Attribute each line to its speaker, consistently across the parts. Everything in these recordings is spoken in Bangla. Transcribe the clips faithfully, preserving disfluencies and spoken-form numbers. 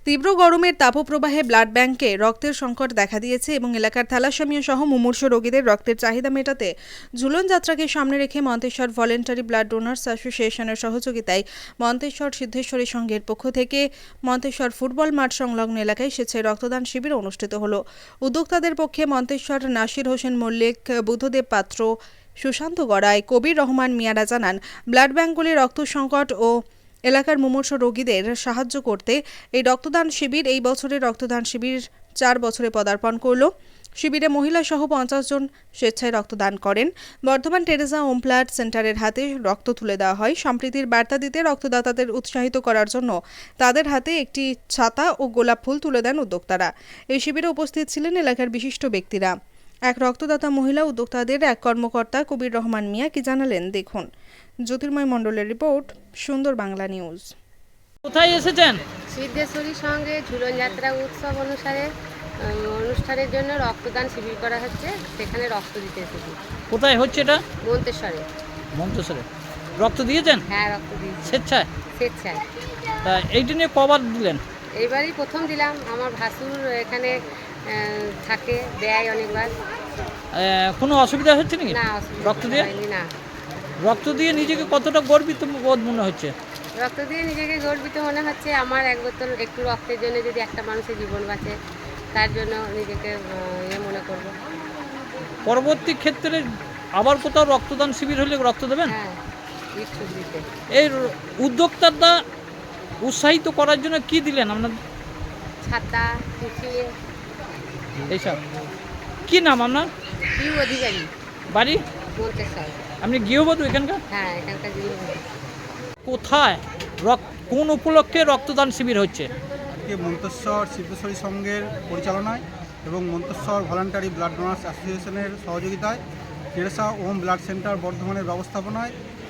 Speaker 1: তীব্র গরমের তাপপ্রবাহে ব্লাড ব্যাংকে রক্তের সংকট দেখা দিয়েছে এবং এলাকার থ্যালাসেমিয়া সহ মুমূর্ষ রোগীদের রক্তের চাহিদা মেটাতে ঝুলন যাত্রাকে সামনে রেখে মন্তেশ্বর ভলেন্টারি ব্লাড ডোনার্স অ্যাসোসিয়েশনের সহযোগিতায় মন্তেশ্বর সিদ্ধেশ্বরী সংঘের পক্ষ থেকে মন্তেশ্বর ফুটবল মাঠ সংলগ্ন এলাকায় স্বেচ্ছায় রক্তদান শিবির অনুষ্ঠিত হলো। উদ্যোক্তাদের পক্ষে মন্তেশ্বর নাসির হোসেন মল্লিক, বুদ্ধদেব পাত্র, সুশান্ত গড়াই, কবির রহমান মিয়ারা জানান, ব্লাড ব্যাংকগুলি রক্ত সংকট ও এলাকার মুমূর্ষ রোগীদের সাহায্য করতে এই রক্তদান শিবির এই বছরের রক্তদান শিবির চার বছরে পদার্পণ করল। শিবিরে মহিলা সহ পঞ্চাশ জন স্বেচ্ছায় রক্তদান করেন। বর্ধমান টেরেসা হোম ব্লাড সেন্টারের হাতে রক্ত তুলে দেওয়া হয়। সম্প্রীতির বার্তা দিতে রক্তদাতাদের উৎসাহিত করার জন্য তাদের হাতে একটি ছাতা ও গোলাপ ফুল তুলে দেন উদ্যোক্তারা। এই শিবিরে উপস্থিত ছিলেন এলাকার বিশিষ্ট ব্যক্তিরা। এক রক্তদাতা মহিলা উদ্যোক্তাদের এক কর্মকর্তা কবির রহমান মিয়া কি জানালেন দেখুন। জ্যোতির্ময় মণ্ডলের রিপোর্ট, সুন্দর বাংলা নিউজ।
Speaker 2: কোথায় এসেছেন?
Speaker 3: সিদ্ধেশ্বরী সঙ্গে ঝুলন যাত্রা উৎসব অনুসারে অনুষ্ঠানের জন্য রক্তদান শিবির করা হচ্ছে, সেখানে রক্ত দিতে এসেছি।
Speaker 2: কোথায় হচ্ছে এটা?
Speaker 3: মন্তেশ্বরে।
Speaker 2: মন্তেশ্বরে রক্ত দিয়েছেন?
Speaker 3: হ্যাঁ, রক্ত দিয়েছি
Speaker 2: স্বেচ্ছায়।
Speaker 3: স্বেচ্ছায়।
Speaker 2: তা এইটা নিয়ে কবার দিলেন?
Speaker 3: এইবারই প্রথম দিলাম। আমার ভাসুর এখানে থাকে, দেয় অনেকবার।
Speaker 2: কোনো অসুবিধা হচ্ছে নাকি
Speaker 3: না,
Speaker 2: রক্ত দিয়ে?
Speaker 3: না।
Speaker 2: রক্ত দিয়ে নিজেকে কতটা গর্বিত বোধ মনে হচ্ছে?
Speaker 3: রক্ত দিয়ে নিজেকে গর্বিত মনে হচ্ছে। আমার এক বোতল একটু রক্তের জন্য যদি একটা মানুষের জীবন বাঁচে, তার জন্য নিজেকে ইয়ে মনে করব।
Speaker 2: পরবর্তী ক্ষেত্রে আবার কোথাও রক্তদান শিবির হলে রক্ত দেবেন?
Speaker 3: হ্যাঁ, ইচ্ছুক দিতে।
Speaker 2: এই উদ্যোক্তাটা উৎসাহিত করার জন্য কি দিলেন আপনার?
Speaker 3: ছাতা, টিফিন,
Speaker 2: এইসব। কি নাম আপনার?
Speaker 3: পিউ অধিকারী,
Speaker 2: বাড়ি
Speaker 3: মন্তেশ্বর।
Speaker 2: আপনি গৃহবধূ এখানকার?
Speaker 3: হ্যাঁ, এখানকার গৃহবধূ।
Speaker 2: কোথায় রক্ত কোন উপলক্ষে রক্তদান শিবির হচ্ছে?
Speaker 4: আজকে মন্তেশ্বর সিদ্ধেশ্বরী সংঘের পরিচালনায় এবং মন্তেশ্বর ভলান্টারি ব্লাড ডোনার্স অ্যাসোসিয়েশনের সহযোগিতায় টেরেসা হোম ব্লাড সেন্টার বর্ধমানের ব্যবস্থাপনায়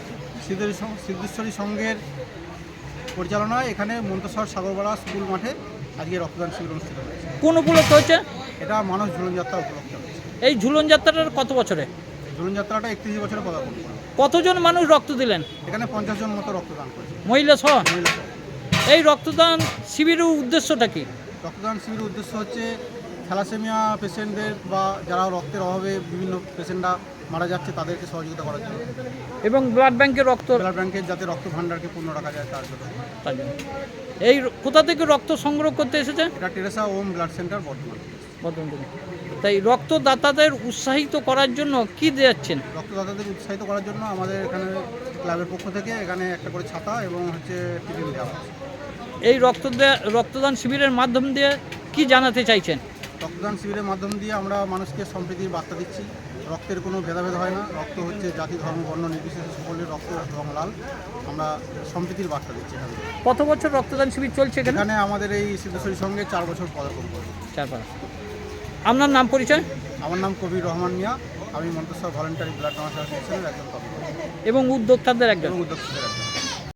Speaker 4: সিদ্ধেশ্বরী সংঘের পরিচালনায় এখানে মন্তেশ্বর সাগরপাড়া স্কুল মাঠে আজকে রক্তদান শিবির অনুষ্ঠিত হয়েছে।
Speaker 2: কোন উপলক্ষে হচ্ছে?
Speaker 4: এটা মানস ঝুলন যাত্রা উপলক্ষে হয়েছে।
Speaker 2: এই ঝুলন যাত্রাটার কত বছরে?
Speaker 4: ঝুলন যাত্রাটা একত্রিশ বছরে পদার্পণ করে।
Speaker 2: কতজন মানুষ রক্ত দিলেন?
Speaker 4: এখানে পঞ্চাশ জন মতো রক্তদান করেছে,
Speaker 2: মহিলা সহ।
Speaker 4: মহিলা সহ।
Speaker 2: এই রক্তদান শিবিরের উদ্দেশ্যটা কি?
Speaker 4: রক্তদান শিবিরের উদ্দেশ্য হচ্ছে থ্যালাসেমিয়া পেশেন্টদের বা যারা রক্তের অভাবে বিভিন্ন পেশেন্টরা মারা যাচ্ছে তাদেরকে সহযোগিতা করার জন্য
Speaker 2: এবং ব্লাড ব্যাংকের রক্ত
Speaker 4: ব্লাড ব্যাংকের যাতে রক্ত ভাণ্ডারকে পূর্ণ রাখা যায় তার জন্য।
Speaker 2: তার জন্য এই কোথা থেকে রক্ত সংগ্রহ করতে এসেছে?
Speaker 4: এটা Teresa home blood centre Bardhaman.
Speaker 2: Bardhaman থেকে। তাই রক্তদাতাদের উৎসাহিত করার জন্য কি দিচ্ছেন?
Speaker 4: রক্তদাতাদের উৎসাহিত করার জন্য আমাদের এখানে ক্লাবের পক্ষ থেকে এখানে একটা করে ছাতা এবং হচ্ছে টিফিন দেওয়া হচ্ছে।
Speaker 2: এই রক্ত রক্তদান শিবিরের মাধ্যম দিয়ে কি জানাতে চাইছেন?
Speaker 4: রক্তদান শিবিরের মাধ্যম দিয়ে আমরা মানুষকে সম্প্রীতির বার্তা দিচ্ছি। রক্তের কোনো ভেদাভেদ হয় না, রক্ত হচ্ছে জাতি ধর্ম বর্ণ নির্বিশেষে সকলের রক্ত রং লাল। আমরা সম্প্রীতির বার্তা দিচ্ছি এখানে।
Speaker 2: কত বছর রক্তদান শিবির চলছে এখানে?
Speaker 4: এখানে আমাদের এই সিদ্ধেশ্বরীর সঙ্গে চার বছর পদার্পণ করব।
Speaker 2: চার পাঁচ। আপনার নাম পরিচয়?
Speaker 4: আমার নাম কবির রহমান মিয়া, আমি মন্তেশ্বর ভলেন্টারি ব্লাড ডোনার্স অ্যাসোসিয়েশনের একজন কর্মকর্তা
Speaker 2: এবং উদ্যোক্তাদের একজন।
Speaker 4: এবং উদ্যোক্তাদের একজন।